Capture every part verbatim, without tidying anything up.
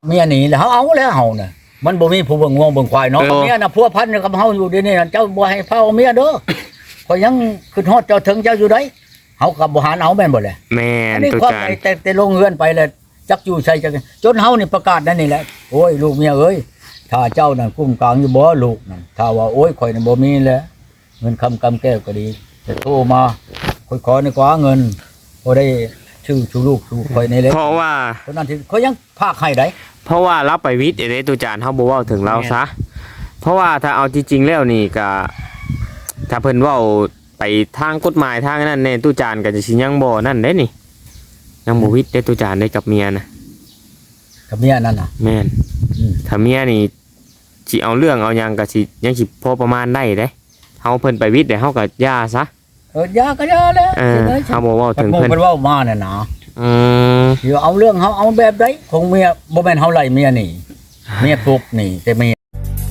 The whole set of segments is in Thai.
เมียหนีแล้วเฮาเอาแล้วเฮาน่ะมันบ่มีผู้เบิ่งง่วงเบิ่งควายเนาะเมียน่ะพัวพันกับเฮาอยู่เดี๋ยวนี้เจ้าบ่ให้เฝ้าเมียเด้อข่อยยังขึ้นฮอดเจ้าถึงเจ้าอยู่ไดเฮาก็บ่หารเอาแม่นบ่แหละแม่นตุจานแต่แต่ลงเฮือนไปแล้วจักอยู่ใส่จักจนเฮานี่ประกาศนั่นนี่แหละโอ้ยลูกเมียเอ้ยถ้าเจ้านั่นกุ้มกลางอยู่บ่ลูกนั่นถ้าว่าโอ้ยข่อยน่ะบ่มีแล้วเงินคำกำแก้วก็ดีแต่โทรมาข่อยขอนี่กว่าเงินบ่ได้ชื่อชูลูกชูข่อยนี่แหละเพราะว่าคนนั้นที่เขายังพากให้ได้เพราะว่าเราไปวิทย์เด้ตุจานเฮาบ่เว้าถึงเราซะเพราะว่าถ้าเอาจริงๆแล้วนี่ก็ถ้าเพิ่นเว้าไปทางกฎหมายทางนั้นแน่ตุจานก็จะสิยังบ่นั่นเด้นี่ยังบ่วิทย์เด้ตุจานได้กับเมียนะกับเมียนั่นน่ะแม่นถ้าเมียนี่สิเอาเรื่องเอาหยังก็สิยังสิพอประมาณได้เด้เฮาเพิ่นไปวิทย์ได้เฮาก็ย่าซะเออย่าก็ย่าแล้วเออเฮาบ่เว้าถึงเพิ่นเพิ่นเว้ามาน่ะนะอืมสิเอาเรื่องเฮาเอาแบบใดคงเมียบ่แม่นเฮาไล่เมียนี่เมียปลุกนี่แต่เมีย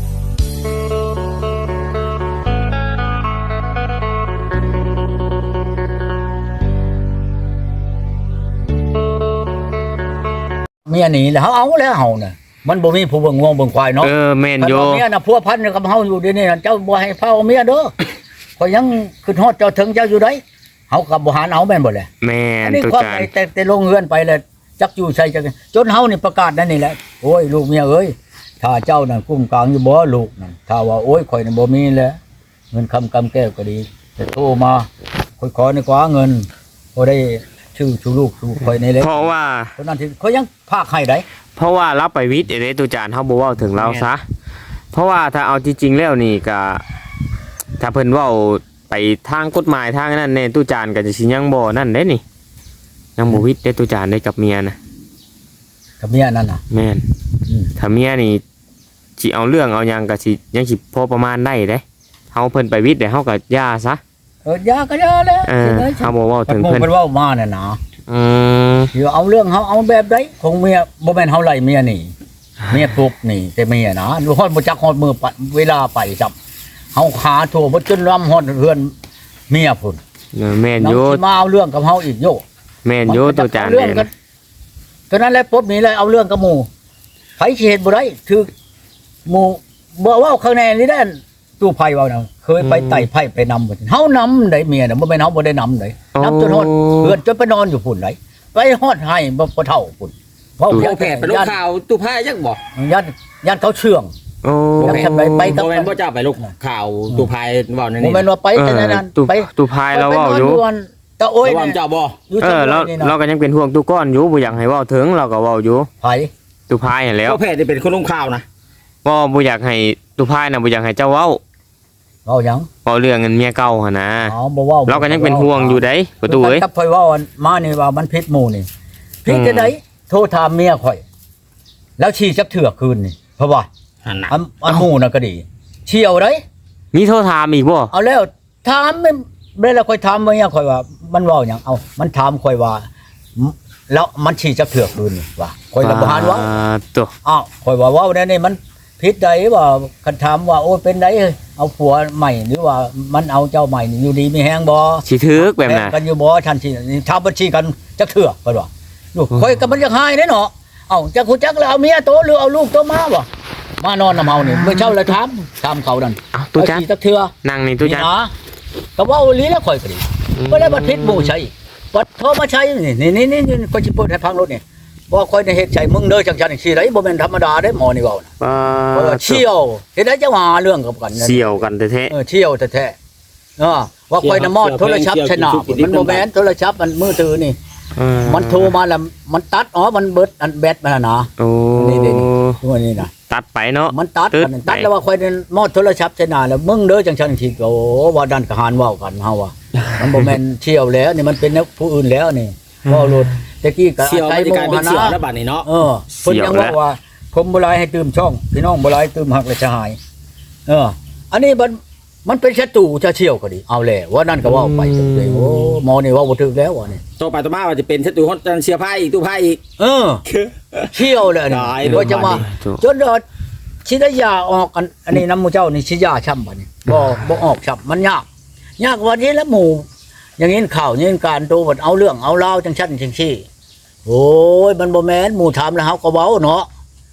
เมียหนีแล้วเฮาเอาแล้วเฮาน่ะมันบ่มีผู้เบิ่งง่วงเบิ่งควายเนาะเออแม่นอยู่เมียน่ะพัวพันกับเฮาอยู่เดี๋ยวนี้เจ้าบ่ให้เฝ้าเมียเด้อข่อยยังขึ้นฮอดเจ้าถึงเจ้าอยู่ไดเฮาก็บ่หารเอาแม่นบ่แหละแม่นตุจานแต่แต่ลงเฮือนไปแล้วจักอยู่ใส่จักจนเฮานี่ประกาศนั่นนี่แหละโอ้ยลูกเมียเอ้ยถ้าเจ้านั่นกุ้มกลางอยู่บ่ลูกนั่นถ้าว่าโอ้ยข่อยน่ะบ่มีแล้วเงินคำกำแก้วก็ดีแต่โทรมาข่อยขอนี่กว่าเงินบ่ได้ชื่อชูลูกชูข่อยนี่แหละเพราะว่าคนนั้นที่เขายังพากให้ได้เพราะว่าเราไปวิทย์เด้ตุจานเฮาบ่เว้าถึงเราซะเพราะว่าถ้าเอาจริงๆแล้วนี่ก็ถ้าเพิ่นเว้าไปทางกฎหมายทางนั้นแน่ตุจานก็จะสิยังบ่นั่นเด้นี่ยังบ่วิทย์เด้ตุจานได้กับเมียนะกับเมียนั่นน่ะแม่นถ้าเมียนี่สิเอาเรื่องเอาหยังก็สิยังสิพอประมาณได้เด้เฮาเพิ่นไปวิทย์ได้เฮาก็ย่าซะเออย่าก็ย่าแล้วเออเฮาบ่เว้าถึงเพิ่นเพิ่นเว้ามาน่ะนะอืมสิเอาเรื่องเฮาเอาแบบใดคงเมียบ่แม่นเฮาไล่เมียนี่เมียปลุกนี่แต่เมียนะฮอดบ่จักฮอดมือเวลาไปจับเฮาขาโทบ่จนล้ำฮอดเฮือนเมียพุ่นแม่นอยู่มาเอาเรื่องกับเฮาอีกโยแม่นอยู่ตุจานเด้ตอนนั้นแหละปุ๊บนี่เลยเอาเรื่องกับหมู่ไผสิเฮ็ดบ่ได้คือหมู่บ่เว้าข้างในนี่ได้ตู้ไผเว้าน่ะเคยไปไต่ไผไปนำบ่เฮานำได้เมียน่ะบ่แม่นเฮาบ่ได้นำได้นำจนฮอดเฮือนจนไปนอนอยู่พุ่นได้ไปฮอดให้บ่เฒ่าพุ่นเพราะแผลไปลงข่าวตู้ไผยังบ่ญาติญาติเขาเชื่องโอ้ทำไมไปกับบ่แม่นบ่เจ้าไปลงข่าวตู้ไผเว้านั่นนี่บ่แม่นว่าไปแต่นั้นไปตู้ไผเราเว้าอยู่ตะโอ้ยเจ้าบ่เออเราเราก็ยังเป็นห่วงตู้ก้อนอยู่บ่อยากให้เว้าถึงเราก็เว้าอยู่ไผตู้ไผนั่นแหล้วเพราะแผลนี่เป็นคนลงข่าวนะบ่บ่อยากให้ตู้ไผน่ะบ่อยากให้เจ้าเว้าเว้าหยังเว้าเรื่องเงินเมียเก่าหั่นนะอ๋อบ่เว้าเราก็ยังเป็นห่วงอยู่เด้ประตูเอ้ยกับข่อยเว้ามานี่ว่ามันผิดหมู่นี่ผิดจังได๋โทรถามเมียข่อยแล้วชี้จักเถื่อคืนนี่เพราะว่าหั่นน่ะอันหมู่น่ะก็ดีเชี่ยวได้มีโทรถามอีกบ่เอาแล้วถามไม่ได้แล้วค่อยถามเมียข่อยว่ามันเว้าหยังเอามันถามข่อยว่าแล้วมันชี้จักเถื่อคืนนี่ว่าข่อยก็บ่หานว่าตัวอ้าวข่อยว่าเว้าแน่นี่มันผิดใดว่าคันถามว่าโอ้เป็นไดเอาผัวใหม่หรือว่ามันเอาเจ้าใหม่นี่อยู่ดีมีแฮงบ่สิถึกแบบนั้นกันอยู่บ่ทันสิถามบ่ชี้กันจักเถื่อเพิ่นว่าลูกข่อยก็มันอยากหายเด้เนาะเอ้าจักฮู้จักแล้วเอาเมียโตหรือเอาลูกโตมาบ่มานอนนำเฮานี่มื้อเช้าแล้วถามถามเขานั่นอ้าวตู้จันจักเถื่อนั่งนี่ตู้จันก็เว้าอีหลีแล้วข่อยก็ดีบ่ได้บ่ผิดหมู่ใช่บัดโทรมาใช้นี่นี่ๆๆก็สิเปิดให้ฟังรถนี่บ่ค่อยได้เฮ็ดใช่มึงเด้อจังซั่นสิได้บ่แม่นธรรมดาเด้หมอนี่เว้าน่ะเออเชี่ยวเฮ็ดได้จังหาเรื่องกับกันเชี่ยวกันแท้ๆเออเชี่ยวแท้ๆเออว่าค่อยน่ะมอดโทรศัพท์ชนะมันบ่แม่นโทรศัพท์มันมือถือนี่มันโทรมาแล้วมันตัดอ๋อมันเบิดอันแบตมันน่ะโอ้นี่ๆตัวนี้น่ะตัดไปเนาะมันตัดมันตัดแล้วว่าค่อยมอดโทรศัพท์ชนะแล้วมึงเด้อจังซั่นสิโอ้ว่าดันกะหานเว้ากันเฮาว่ามันบ่แม่นเชี่ยวแล้วนี่มันเป็นผู้อื่นแล้วนี่เว้ารถตะกี้ก็อาศัยหมู่หานะบัดนี้เนาะเออเพิ่นยังว่าว่าผมบ่หลายให้ตื่มช่องพี่น้องบ่หลายตื่มหักและจะหายเอออันนี้มันมันเป็นศัตรูจะเชี่ยวก็ดีเอาแหละว่านั่นก็ว่าไปเลยโอ้หมอนี่ว่าบ่ถึกแล้วว่ะนี่ต่อไปต่อมาว่าจะเป็นศัตรูของเสียไผอีกตู้ไผอีกเออเชี่ยวเลยนี่ว่าจะมาจนสิได้ยาออกอันนี้นำหมู่เจ้านี่สิยาช้ำบัดนี้บ่บ่ออกช้ำมันยากยากวันนี้แล้วหมู่อย่างนี้ข่าวนี้การโตบัดเอาเรื่องเอาราวจังซั่นจังซี่โอ้ยมันบ่แม่นหมู่ถามแล้วเฮาก็เว้าเนาะ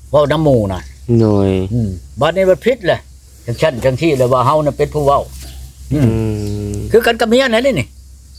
เว้าน้ำหมู่น่ะโดยอืมบัดนี้มันผิดแหละจังชั้นจังที่เลยว่าเฮาน่ะเป็นผู้เว้าอือืมมคือกันกับเมียนั่นนี่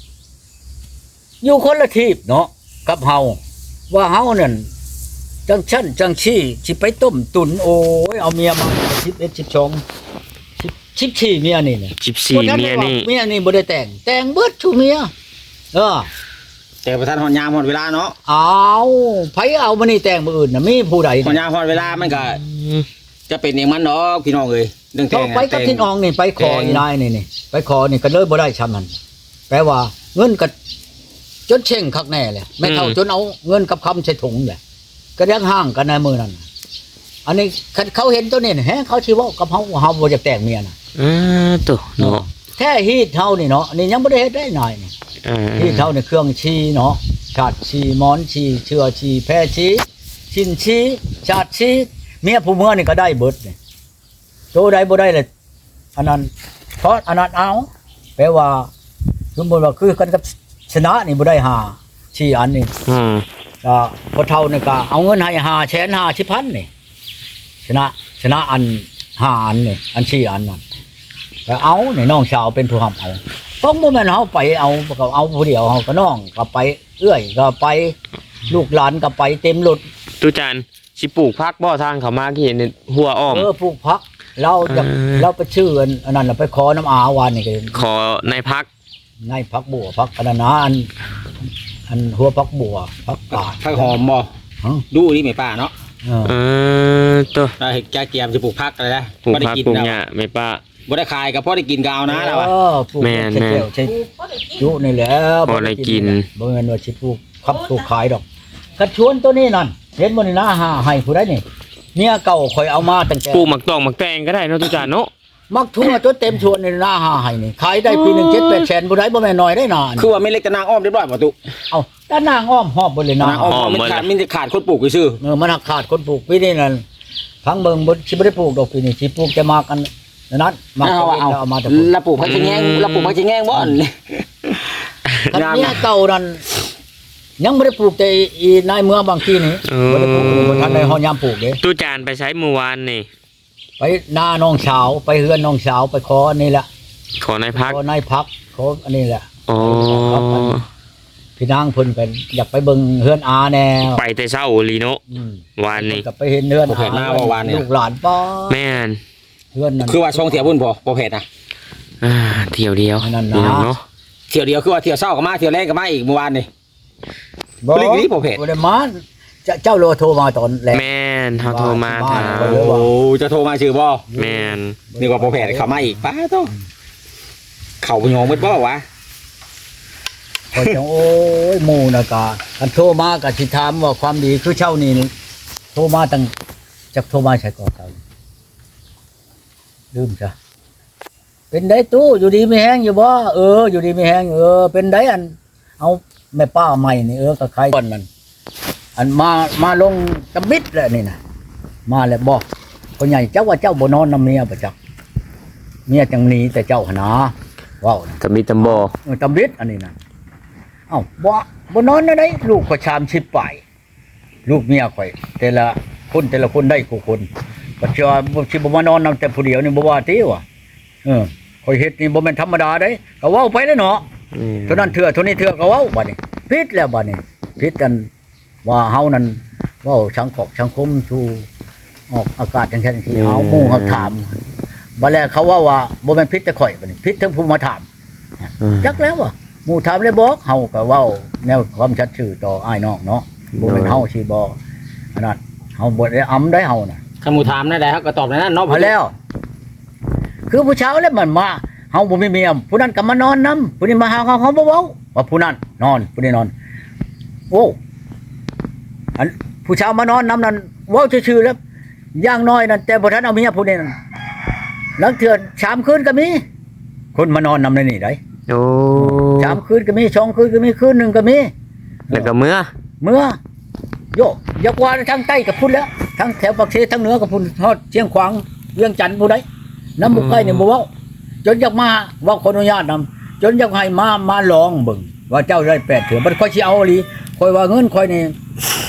อยู่คนละทีบเนาะกับเฮาว่าเฮานั่นจังชั้นจังชี้สิไปต้มตุนโอ้ยเอาเมียมาสิบเอ็ด สิบสอง สิบ สิบสี่เมียนี่น่ะสิบสี่เมียนี่เมียนี่บ่ได้แต่ง แต่งเบิดชูเมียเออแต่ประธานฮอดยามฮอดเวลาเนาะเอาไผเอามานี่แต่งมื้ออื่นน่ะมีผู้ใดฮอดยามฮอดเวลามันก็จะเป็นอย่างมันเนาะพี่น้องเอ้ยเรื่องแต่ต้องงไปกับทินอองนี่ไปขออีนายนี่นี่ไปขอนี่ก็เลยบ่ได้ชำนั้นแปลว่าเงินก็จนเช่งคักแน่เลยไม่เท่าจนเอาเงินกับคำใส่ถุงแหละก็ยังห่างกันในมือนั้นอันนี้เขาเห็นตัวนี้แฮะเขาสิเว้ากับเฮาว่าเฮาบ่อยากแต่งเมียน่ะอ่าตัวเนาะแท้ฮีดเฮานี่เนาะอันนี้ยังบ่ได้เฮ็ดได้หน่อยนี่อ่าฮีดเฮานี่เครื่องชีเนาะชาติชีหมอนชีเชื้อชีแพรชีชินชีชาติชีเมียผู้เมื่อนี่ก็ได้เบิดนี่โตได้บ่ได้เลยอันนั้นเพราะอันนั้นเอาแปลว่าสมมุติว่าคือกันกับชนะนี่บ่ได้หาชีอันนี่อืมก็พอเท่านี่ก็เอาเงินให้หาแสนห้าสิบพันนี่ชนะชนะอันห้าอันนี่อันชีอันนั่นก็เอานี่น้องสาวเป็นผู้ทำเอาต้องบ่แม่นเฮาไปเอาก็เอาผู้เดียวเฮาก็น้องก็ไปเอื้อยก็ไปลูกหลานก็ไปเต็มรถตุจานสิปลูกพักบ่ทางเขามาที่เห็นหัวอ้อมเออปลูกผักเราจะอ่าเราไปชื่ออันอันนั้นน่ะไปขอน้ำอาวานนี่ก็ขอในพักในผักบัวผักอันนั้นนะอันอันหัวผักบัวผักกาดผักหอมบ่ฮะดูนี่แม่ป้าเนาะเออเออตัวเราเฮ็ดแกเกียมสิปลูกผักอะไรนะปลูกบ่ได้พักกินปลูกแล้วหญ้าไม่ป้าบ่ได้ขายก็พอได้กินก็เอานะแล้วอะเออปลูกแม่นใช่แม่นแก้วใช่จุนี่แหละพอได้กินบ่แม่นว่าสิปลูกขับปลูกขายดอกกระชวนตัวนี้นั่นเห็นบ่นี่นะหาให้ผู้ใดนี่เมียเก่าข่อยเอามาตั้งแต่ปลูกหมักตองหมักแตงก็ได้เนาะตุจานเนาะมักทุ่งจนเต็มชวนนี่นะหาให้นี่ขายได้ปีหนึง เจ็ดแปดแสนบ่ได้บ่แม่นน้อยได้นานคือว่าไม่เล็กแต่นางอ้อมเรียบร้อยบ่ตุเอาด้านนางอ้อมหอบบ่เลยนะนางอ้อมมันขาดมันจะขาดคนปลูกซื่อเออมันหักขาดคนปลูกปีนี้นั่นพังเบิ่งบ่สิบ่ได้ปลูกดอกปีนี้สิปลูกแต่มากันนั้นมาเอาก็เอาเอามาแต่ปลูกแล้วปลูกผักชะแงงแล้วปลูกผักชะแงงบ่อนคันเมียเก่านั่นยังบ่ได้ปลูกแต่อีนายเมืองบางทีนี่บ่ได้ปลูกบ่ทันได้ฮอดยามปลูกเด้ตุจานไปใช้เมื่อวานนี่ไปหน้าน้องสาวไปเฮือนน้องสาวไปขออันนี้แหละขอในพักขอนายพักขออันนี้แหละอ๋อครับอันพี่นางเพิ่นเป็นอยากไปเบิ่งเฮือนอาแน่ไปแต่เช้าลีโนอืมวานนี้ก็ไปเห็นเฮือนอาลูกหลานป้าแม่นเฮือนนั่นคือว่าช่องเที่ยวบุญพอบ่เผ็ดนะอ่าเที่ยวเดียวอันนั้นนะพี่น้องเนาะเที่ยวเดียวคือว่าเที่ยวเช้าก็มาเที่ยวแรกก็มาอีกเมื่อวานนี่บ่ปลีกนี้บ่เผ็ดบ่ได้มาเจ้าเจ้าโลโทรมาตอนแรกแม่นเขาโทรมาบ้าถาน มบ้านโอ้จะโทรมาชื่อบ่แม่นนี่ว่าบ่เผ็ดเข้ามาอีกป้าโตเข้าบ่ยอมมืดบ่วะก็จังโอ้ยหมู่น่ะกะคันโทรมาก็สิถามว่าความดีคือเช่านี่นี่โทรมาตั้งจักโทรมาใช่ก่อนเจ้าลืมจ้ะเป็นได้ตู้อยู่ดีไม่แห้งอยู่บ่เอออยู่ดีไม่แห้งเออเป็นได้อันเอาแม่ป้าใหม่นี่เออก็ใครก่อนนั่นอันมามาลงตะมิดแล้วนี่นะมาแล้วบอกคนใหญ่เจ้าว่าเจ้าบ่นอนนํเมียประจักเมียจังหนีแต่เจ้าหนนาว้าวนะตะมีตำบอเออตำมิดอันนี้นะเอ้าบ่บ่นอนได้ไดลูกก็ชามชิบไปลูกเมียข่อยแต่ละคนแต่ละคนได้กูคนปัจจุบันบ่สิบ่มานอนนํแต่ผู้เดียวนี่บ่ว่าติว่ะเออข่อยเฮ็ดนี่บ่แม่นธรรมดาเด้ก็เว้าไปแล้วเนาะอืมเท่านั้นเถื่อเท่านี้เถื่อก็เว้าบัดนี้ผิดแล้วบัดนี้ผิดกันว่าเฮานั้นเว้าสังคมสังคมสู่ออกอากาศจังซั่นที่เฮาหมู่เฮาถามบัดแล้วเขาว่าว่าบ่แม่นผิดแต่ข่อยบัดนี้ผิดทั้งผู้มาถามอืมจักแล้วว่ะหมู่ถามเลยบอกเฮาก็เว้าแนวความชัดชื่อต่ออ้ายน้องเนาะบ่แม่นเฮาสิบ่อันนั้นเฮาบ่ได้อำได้เฮาน่ะคำหมู่ถามนั่นแหละครับก็ตอบในนั้นเนาะพอแล้ว คือผู้เช้าแล้วมันมาเฮาบ่มีเมียผู้นั้นก็มานอนนํผู้นี้มาหาเขาเขาบ่เว้าว่าผู้นั้นนอนผู้นี้นอน โอ้อันผู้เช้ามานอนนํนั้นเว้าชื่อๆแล้วอย่างน้อยนั่นแต่บ่ทันเอาเมียผู้นี้นั่นหลังเทื่อสามคืนก็มี คนมานอนนำในนี่ได้โอ้สามคืนก็มีสองคืนก็มีคืนหนึงก็มีแล้วก็เมื่อเมื่อโยอยากว่าทางใต้กับพุ่นแล้วทางแถวปากเสทางเหนือกับพุ่นทอดเชียงขวางเวียงจันทน์ผู้ใดน้ำบุกใกล้เนี่ยบ่เว้าจนอยากมาเว่าขออนุญาตนำจนอยากให้มามาลองเบิ่งว่าเจ้าได้แปดเถื่อมันค่อยสิเอาอีหลีค่อยว่าเงินค่อยนี่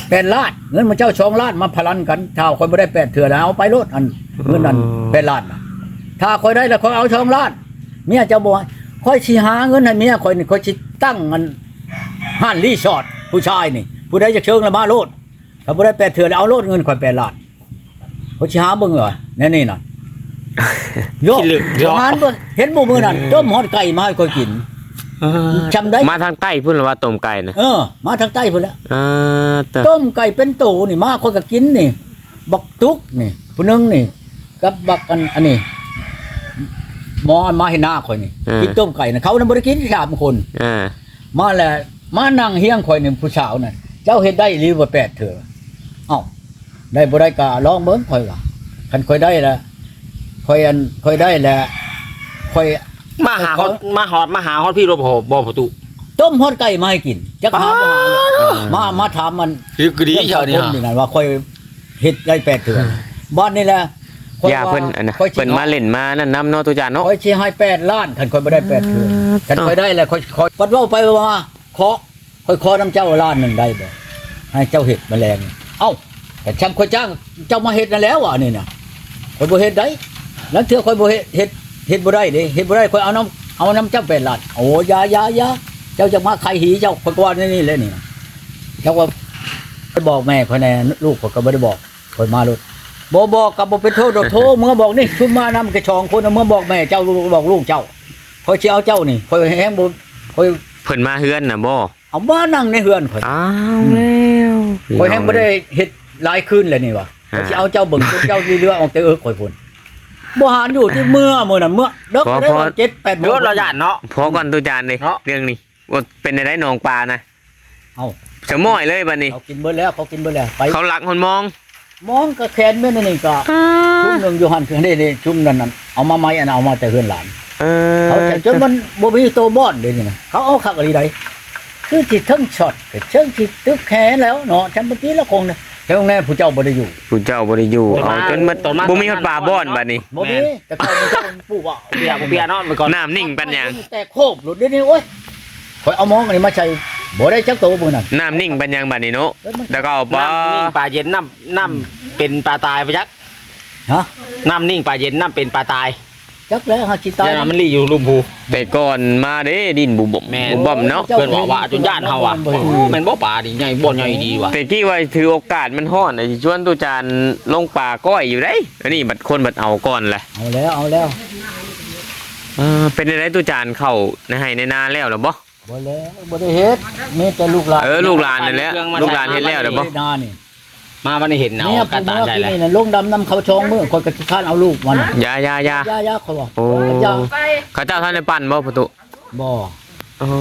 แปดล้านเงินมาเจ้าสองล้านมาพลันกันถ้าคอยบ่ได้แปดเถื่อแล้วเอาไปโลดอันเงินนั้นแปดล้านน่ะถ้าคอยได้แล้วคอยเอาสองล้านเมียเจ้าบ่คอยสิหาเงินให้เมียคอยนี่คอยสิตั้งมันห้านรีสอร์ทผู้ชายนี่ผู้ใดจะเชิงละมาโลดถ้าบ่ได้แปดเถื่อแล้วเอาโลดเงินคอยแปดล้านคอยสิหาเบิ่งเหรอแน่นี่น่ะโยกงานเบิ่งเห็นบ่มื้อนั้นต้มฮอดไก่มาให้คอยกินจำได้มาทางใต้พุ่นหรือว่าต้มไก่นะเออมาทางใต้พุ่นแล้วอ่าแต่ต้มไก่เป็นโตนี่มาคนก็กินนี่บักตุกนี่ผู้หนึงนี่กับบักอันอันนี้หมอมาให้หน้าข่อยนี่กินต้มไก่นะเขาน่ะบ่ได้กินสามคนอ่ามาแล้วมานั่งเฮียงข่อยนี่ผู้สาวน่ะเจ้าเฮ็ดได้หรือว่าแปดเถื่อเอ้าได้บ่ได้ก็ลองเบิ่งข่อยว่าคันข่อยได้แล้วข่อยอันข่อยได้แล้วข่อยมาหาฮอดมาฮอดมาหาฮอดพี่รบบ่บ่ประตูต้มฮอดไก่มาให้กินจักหาบ่หามามาถามมันคือคือดีเจ้านี่คนฮะนี่นั่นว่าค่อยเฮ็ดได้แปดเดือนบ้านนี่แหละค่อย่าเพิ่นอันนะค่อยสิเพิ่นมาเล่นมานั่นนำเนาะตุจานเนาะค่อยสิให้แปดล้านคันค่อยบ่ได้แปดเดือนคันค่อยได้แล้วค่อยค่อยปัดเว้าไปว่าขอค่อยขอน้ำเจ้าล้านหนึงได้บ่ให้เจ้าเฮ็ดแมลงเอ้าแต่ช่างค่อยจ้างเจ้ามาเฮ็ดนั่นแล้วอ่ะนี่น่ะค่อยบ่เฮ็ดได้แล้วเทื่อค่อยบ่เฮ็ดเฮ็ดเฮ็ดบ่ได้เด้เฮ็ดบ่ได้ค่อยเอาน้ำเอาน้ำเจ้าแปดล้านโอ้ยายายาเจ้าจะมาใครหีเจ้าค่อยก็ว่านี่เลยนี่เจ้าว่าไปบอกแม่ค่อยแน่ลูกข่อยก็บ่ได้บอกค่อยมาโลด บ่บอกกับบ่เป็นโทษดอกโทเมื่อบอกนี่ชุมมานำกระชองคนเมื่อบอกแม่เจ้าบอกลูกเจ้าคอยสิเอาเจ้านี่คอยแฮงบ่คอยเพิ่นมาเฮือนน่ะบ่เอามานั่งในเฮือนข่อยอ้าวแล้วคอยแฮงบ่ได้เฮ็ดหลายคืนแล้วนี่ว่ะคอยสิเอาเจ้าเบิ่งจนเจ้าเรือออกแต่เอิกข่อยพุ่นบ่หารอยู่ที่เมื่อมื้อนั้นเมื่อเด็กได้ว่าเจ็ดแปดโมรง ถเราย่านเนาะพอก่อนตุจานเลยเรื่องนี้ว่าเป็นได้หนองปลานะเอาจะม้อยเลยบัดนี้เขากินเบิดแล้วเขากินเบิดแล้วไปเขาหลักคนมองมองก็แขนแม่นนี่ก็ชุมนึงอยู่หั่นคือนี่ๆชุมนั้นน่ะเอามาใหม่อันเอามาแต่เฮือนหลานเออเขาแต่จนมันบ่มีโตบอดเดี๋ยวนี้นะเขาเอาคักอะไรใดคือจิตทั้งช็อตกับเชิงจิตตึกแขนแล้วเนาะฉันเมื่อกี้ละคงเนี่ยแถวแน่ผู้เจ้าบ่ได้อยู่ผู้เจ้าบ่ได้อยู่เอาจนมันบ่มีฮอดปลาบ่อนบัดนี้บ่มีแต่เขาผู้เจ้าปู่ว่าเปียกเปียเนาะเมื่อก่อนน้ำนิ่งปัญญังแต่โคบหลุดเดี๋ยวนี้โอ้ยข่อยเอามองอันนี้มาใช้บ่ได้จักโตมื้อนั้นน้ำนิ่งปัญญังบัดนี้เนาะแล้วก็เอาปลาน้ำนิ่งปลาเย็นน้ำน้ำเป็นปลาตายไปจักฮะน้ำนิ่งปลาเย็นน้ำเป็นปลาตายจักแล้วหาสิตายเดี๋ยวมันรีอยู่ลุมพูแต่ก่อนมาเด้ดินบุบบ่แม่นบุบบ่มเนาะเพื่อนบอกว่าจนย่านเฮาอ่ะแม่นบ่ปลาดิใหญ่บ่ใหญ่ดีว่ะแต่กี้ว่าถือโอกาสมันฮ้อนไอ้ชวนตุจานลงป่าก้อยอยู่เด้อันนี้บัดคนบัดเอาก่อนแหละเอาแล้วเอาแล้วเออเป็นได้ตุจานเข้าในให้ในนาแล้วหรอบ่บ่แล้วบ่ได้เฮ็ดมีแต่ลูกหลานเออลูกหลานนั่นแหละลูกหลานเฮ็ดแล้วเด้อบ่นานี่มาวันนี้เห็นเนาเนี่ยกระผู้ตาเมื่อใจกี้เลยนี่น่ะลงดำนำเขาชองมื้อคนก็สิคร้านเอาลูกมันยายายาย่าย่าเขาบอกโอ้ย่าเขาเจ้าท่านได้ปั่นบ่ประตูบ่โอ้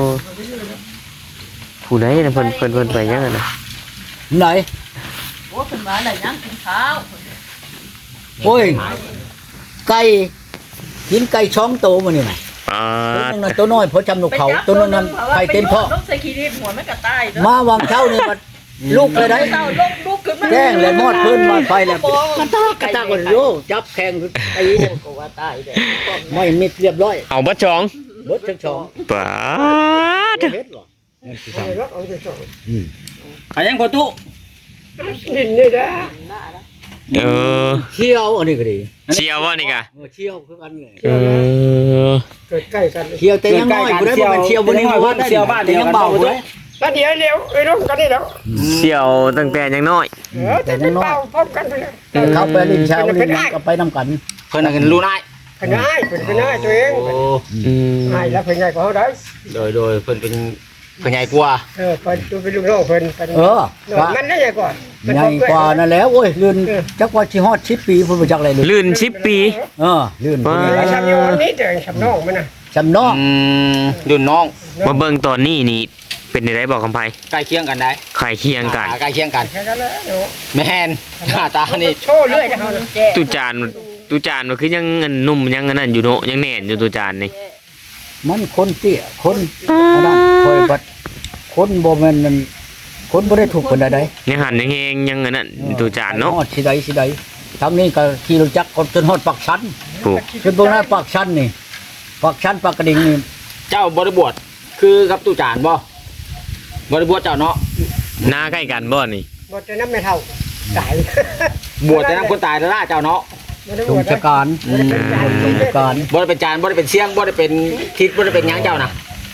ผู้ใดน่ะเพิ่นเพิ่นเพิ่นไปยังไงนะไหนโอ้เป็นมาไหนยังกินข้าวโอ้ยไก่กินไก่ช่องโตมานี่น่ะอ่าตัวนึงน่ะตัวน้อยเพราะจำนกเขาตัวนึงนั้นไข่เต็มพ่อต้องใส่ขี้ดินหัวไม่กระต่ายเด้อมาวางเช้านี่มันลูกเลยได้เต้าลงลูกขึ้นมาแกล้งเลยมอดพื้นมาไฟแล้วกระตากกระตากคนโยจับแข่งไอ้เนี่ยก็ว่าตายเด้อไม่มิดเรียบร้อยเอาบัดจองเบดทั้งช่องปาดเฮ็ดหรอนั่นคือสั่งอืมอันยังประตูเออเชี่ยวอันนี้ก็ดีเชียวว่านี่กะเออเชี่ยวคือกันเลยเออเชี่ยวแต่ยังน้อยบ่ได้บ่แม่นเชี่ยวบ่ได้ว่าได้เชียวบ้านเดีแต่ยวยังกันเบาเบาบ่เลได้ยก็เดี๋ยวเร็วไอ้น้องกันนี่แล้วเชียวตั้งแต่ยังน้อยเออแต่เป็นเป่าพร้อมกันไปเลยเข้าไปลิ้นเช้าลิ้นหยังก็ไปนํกันเพิ่นน่ะกันรู้นายเป็นง่ายเป็นเป็นง่ายตัวเองโอ้อืมง่ายแล้วเป็นง่ายกว่าเขาได้โดยโดยเพิ่นเป็นเพิ่นใหญ่กว่าเออเป็นตัวเป็นลูกน้องเป็นเป็นเออน้องมันได้ใหญ่กว่าใหญ่กว่านั่นแหล้วโอ้ยลื่นจักว่าสิฮอดสิบปีพุ่นบ่จักอะไรเลยลื่นสิบปีเออลื่นว้าแล้วชำอยู่วันนี้เดี๋ยวชำน้องมันนะจำนอกอืมรุ่นน้องมาเบิ่งตอนนี้นี่เป็นได้บอกคำไพใกล้เคียงกันได้ไข่เคียงกันอ่าใกล้เคียงกันแค่นั้นแหละเดี๋ยวแม่นหน้าตานี่โชว์เรื่อยนะเขาแจ้ตุจานตุจานมันคือยังเงินนุ่มยังอันนั้นอยู่เนาะยังแน่นอยู่ตุจานนี่มันคนเตี้ยคนอันนั้นคอยบัดคนบ่แม่นนั่นคนบ่ได้ถูกปานใดยังหันยังแหงยังอันนั้นตุจานเนาะฮอดสิใดสิใดทางนี้ก็ขี่รถจักรจนฮอดปากชันปลูกจนบ่น่าปากชันนี่ปากชันปากกระดิ่งนี่เจ้าบริบวชคือกับตุจานบ่บริบวชเจ้าเนาะบหน้าใกล้กันบ่นี่บ่จะน้ำไม่เท่าตายบวชแต่น้ำคนตายแล้วล่ะเจ้าเนาะชงชะการบ่ได้เป็นใจชงชะการบ่ได้เป็นจานบ่ได้เป็นเชียงบ่ได้เป็นทิศบ่ได้เป็นหยังเจ้านะ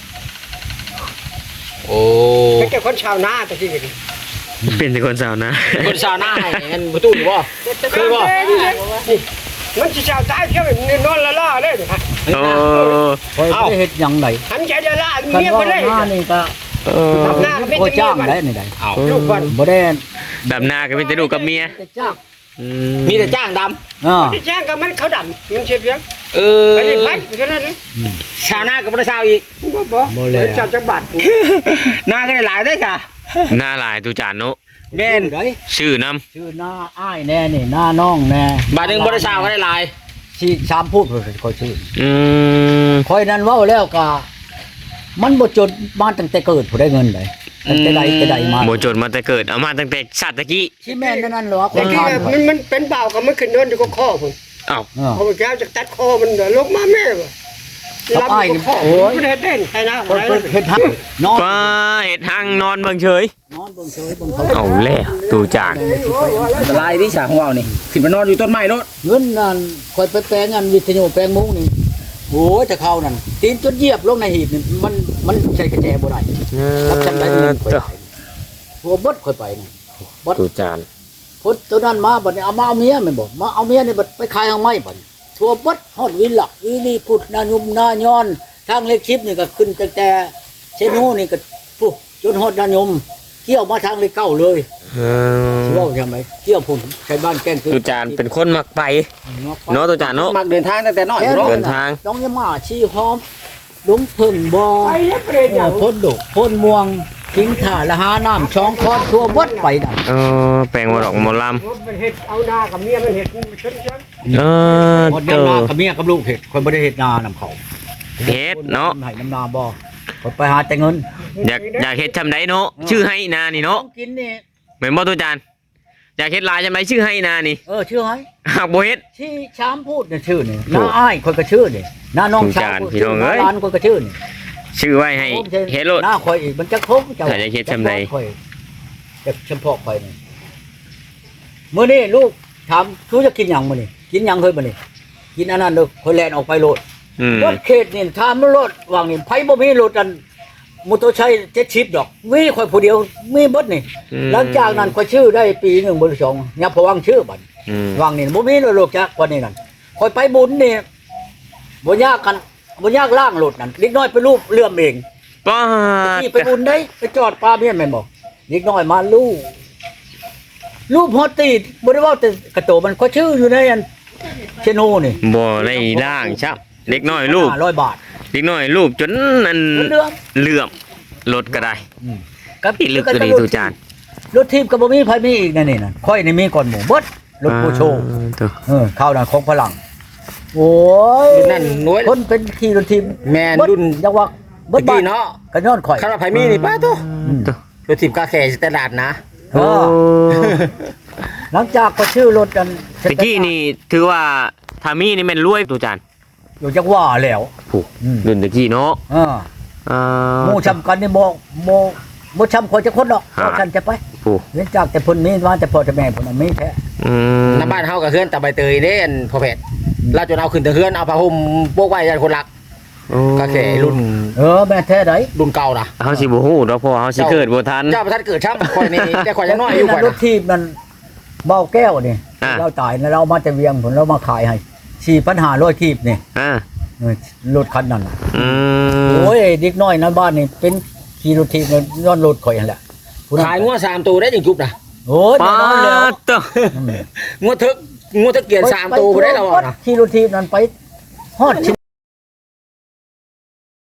โอ้เป็นแต่คนชาวนาแต่ที่นี่เป็นแต่คนสาวนะคนชาวนาให้เงินประตูอยู่บ่เคยบ่มันสิชาวตายเที่ยวนอนละล่าเลยฮะโอ้คอยบ่ได้เฮ็ดหยังไดหันใจจะล่าคันเมียว่าบ่ได้หน้านี่ก็เออทำหน้าก็ไม่โคจะจ้างเมียได้มันนี่ได้เอาลูกบอลบ่ได้ดำนาก็เป็นแต่ลูกกับเมียแต่จ้างอืมีแต่จ้างดอ่าที่แจ้งกับมันเขาดำมันเชียเพียงำเออไปเลยไปแค่นั้นเลยชาวนาก็บ่ได้ชาวอีกบ่บ่เลยชาวจังหวัดนาก็ได้หลายได้อค่ะหน้าหลายตูจานเนาะแม่นได้ชื่อนำชื่อหน้าอ้ายแน่นี่หน้าน้องแน่บาทหนึงบ่ได้ชาวก็ได้หลายที่ชามพูดเพิ่นคอยชื่ออืมคอยนั้นเว้าแล้วก็มันบ่จดมาตั้งแต่เกิดผู้ได้เงินได้ตั้งแต่ใดแต่ใดมาบ่จนมาแต่เกิดเอามาตั้งแต่ชาติตะกี้ที่แม่นนั่นเหรอคแต่นที่ทานมันมันเป็นเบากับมันขึ้นโดนอยู่ก็ข้อผมเอ้าอ่าพอแก้วจะตัดคอมันลงมาแม่ว่ะลำก็ข้อมันได้เต้นใครนะคนเพิ่นเฮ็ดทักนอนก็เฮ็ดหังนอนเบิ่งเฉยนอนเบิ่งเฉยเบิ่งเขาเอาแล้วตูจานอันตรายที่ฉากของเรานี่ขึ้นไปนอนอยู่ต้นไม้โนดเงินนั่นคอยไปแปลงอันวิทยุแปลงมุ้งนี่โอ้ยแต่เขานั่นตีนจนเหยียบลงในหีบนี่มันมันใช้กระแจบ่ได้รับจำได้เงินข่อยไปหัวบดข่อยไปนี่ตูจานพุทธตัวนั้นมาบัดนี้เอามาเอาเมียแม่นบ่มาเอาเมียนี่บัดไปขายทางไม้บัดนี้ทั่วบดฮอดวินหลักวินี่พุทธนายุมนาย้อนทางเล็กชิปนี่ก็ขึ้นตั้งแต่เชนูนี่ก็ปุ๊จนฮอดนายมเกี่ยวมาทางเลขเก้าเลยเอสิอเว้าใช่ไหมเกี่ยวพุ่นใช้บ้านแกล้งคือตูจานเป็นคนมักไปเนาะตูจานเนาะมักเดินทางตั้งแต่น้อยแค่อยู่เนาะเดินทางน้องยามาชี้หอมลุงพึ่งบ่ไปแล้วเปรย์เออพ่นดกพ่นม่วงทิ้งถ่าละหาน้ำช่องคอนทั่วบดไปนั่นเออแปลงมาดอกหมอลมันเห็ดเอาหน้ากับเมียมันเห็ดชนชั้นำเออหมดเตน้ำนาอกับเมียกับลูกเห็ดคนบ่ได้เห็ดนานำเขาเฮ็ดเนาะให้น้ำนาบ่คนไปหาแต่เงินอยากอยากเฮ็ดทำไดเนาะชื่อให้นานี่เนาะต้องกินนี่เหมือนบ่ตูจานอยากเฮ็ดลายจำไดชื่อให้นานี่เออชื่อให้หากบ่เฮ็ดที่ชามพูดเนี่ยชื่อนี่น้าอ้ายคนก็ชื่อนี่น้าน้องชายพี่น้องเอ้ยร้านคนก็ชื่อนี่ชื่อไว้ให้เฮ็ดโลดหน้าคอยอีกมันจะคงถ้าจะเฮ็ดจำใดข่อยจะเฉพาะคอยนี่มื้อนี้ลูกถามชูจะกินหยังมื้อนี้กินหยังเฮ้ยมื้อนี้กินอันนั้นเด้อคอยแล่นออกไปโลดอืมรถเขตนี่ถามมันรถวางนี่ไผบ่มีรถอันมอเตอร์ไซค์เจ็ดสิบดอกมีข่อยผู้เดียวมีเบิดนี่อืมหลังจากนั้นข่อยชื่อได้ปีหนึ่งบ่หรือสองยับพวังชื่อบัดอืมวางนี่บ่มีรถโลกจักกว่านี้นั่นข่อยไปบุญนี่บ่ยากกันบ่ยากล่างรถนั่นเล็กน้อยไปรูปเลื่อมเองป้าที่ไปบุญได้ไปจอดปลาเมียนแม่นบ่เล็กน้อยมาลูกรูปฮอตตีบ่ได้เว้าแต่กระโตมันข่อยชื่ออยู่ในอันเชโนนี่บ่ได้ล่างชับเด็กน้อยลูกห้าร้อยบาทเด็กน้อยลูกจนนั่นเรื่องเหลื่อมรถก็ได้กับอีลึกก็ดีตูจานรถทีมก็บ่มีไผมีอีกนั่นนี่น่ะค่อยนี่มีก่อนหมู่เบิดรถผู้โชว์อ่าตัวเออข้าวนั้นของพลังโอ้ยรุ่นนั้นน้อยคนเป็นขี่รถทีมแม่นเบิดรุ่นจังหวะเบิดตะบ้ากี้นเนาะก็ย้อนข่อยคาราไผมีนี่ป้าตัวอืมตัวรถทีมกาแขสแตนดาร์ดนะเออหลังจากก็ชื่อรถกันตะกี้นี่ถือว่าทามี่นี่แม่นรวยตูจานอยู่จังหว่าแล้วผูกอืมรุ่นตะกี้เนาะเอออ่าหมู่ชำกันนี่บ่บ่บ่ชำคนจะคนดอกฮะเอาฉันจะไปผูกเว้นจากแต่เพิ่นมีมาแต่พ่อแต่แม่เพิ่นน่ะมีแท้อืมน้าบ้านเฮากับเฮือนตะใบเตยเด้อันพ่อแพทย์เราจนเอาขึ้นแต่เฮือนเอาผ้าห่มโปกไว้ยันคนรักโอ้กาแขรุ่นเออแม่แท้ไดรุ่นเก่านะเฮาสิบ่ฮู้ดอกเพราะว่าเฮาสิเกิดบ่ทันเจ้าประทัดเกิดช่ำข่อยนี่แต่ข่อยยังน้อยอยู่ข่อยรนะถทีมนั่นเบาแก้วนี่อ่าเราตายแล้วเรามาแต่เวียงผลเรามาขายให้สี่ปัญหาร้อยทีบนี่อ่าเออรถคันนั้นน่ะอืมโอ้ยเด็กน้อยในะบ้านนี่เป็นขี่รถทีบเนี่ยย้อนรถข่อยนั่นแหละผู้นั้นขายงัวสามตัวได้จังจุบนะโอ้ยป้าแน่นอนแล้วตัวอืมงัวทึกงัวทึกเกียนสามตัวบ่ได้แล้วไปนะขี่รถทีบนั้นไปฮอดชิ